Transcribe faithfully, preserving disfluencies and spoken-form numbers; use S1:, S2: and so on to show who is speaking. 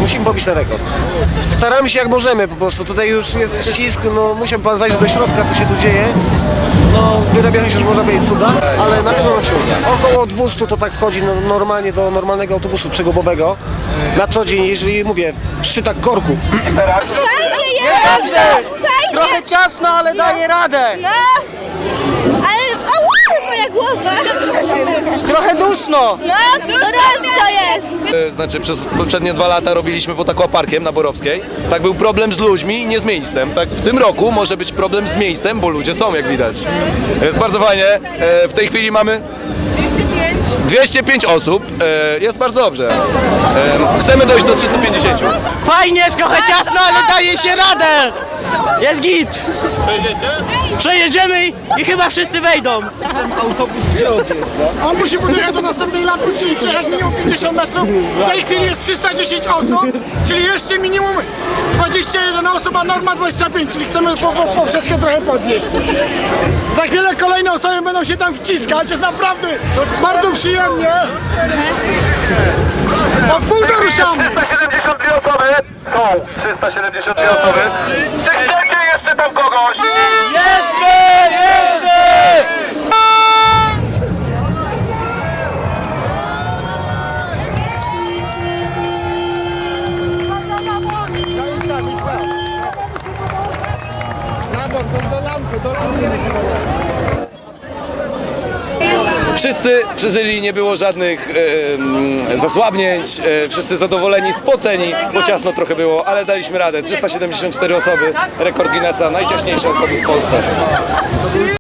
S1: Musimy pobić ten rekord. Staramy się jak możemy, po prostu tutaj już jest ścisk, no musiał pan zajść do środka, co się tu dzieje. No wyrabiają się już można powiedzieć cuda, ale na pewno nam się uda. Około dwieście to tak wchodzi no, normalnie do normalnego autobusu przegubowego. Na co dzień, jeżeli mówię, w szczytach korku.
S2: Fajnie jest!
S3: Dobrze!
S2: Fajnie!
S3: Trochę ciasno, ale daje radę!
S2: No! Ale... Ała! Moja głowa!
S3: Trochę duszno!
S2: No! Gorąco jest!
S4: E, Znaczy przez poprzednie dwa lata robiliśmy pod aquaparkiem na Borowskiej. Tak był problem z ludźmi i nie z miejscem. Tak w tym roku może być problem z miejscem, bo ludzie są jak widać. Jest bardzo fajnie. E, W tej chwili mamy dwieście pięć osób. E, Jest bardzo dobrze. E, Chcemy dojść do trzystu pięćdziesięciu.
S3: Fajnie, trochę ciasno, ale daje się radę! Jest git!
S5: Przejedziecie?
S3: Przejedziemy i, i chyba wszyscy wejdą.
S6: On musi podjechać do następnej lampy, czyli przejechać minimum pięćdziesiąt metrów. W tej chwili jest trzysta dziesięć osób, czyli jeszcze minimum dwadzieścia jeden osób, a norma dwadzieścia pięć, czyli chcemy po, po, poprzeczkę trochę podnieść. Za chwilę kolejne osoby będą się tam wciskać, jest naprawdę bardzo przyjemnie. Od pół do ruszamy.
S4: trzysta siedemdziesiąt dwie osoby. Są trzysta siedemdziesiąt dwie osoby. Czy chcecie jeszcze tam kogoś?
S3: Jeszcze! Jeszcze!
S4: Wszyscy przeżyli, nie było żadnych e, zasłabnięć, e, wszyscy zadowoleni, spoceni, bo ciasno trochę było, ale daliśmy radę. trzysta siedemdziesiąt cztery osoby, rekord Guinnessa, najciaśniejszy autobus w Polsce.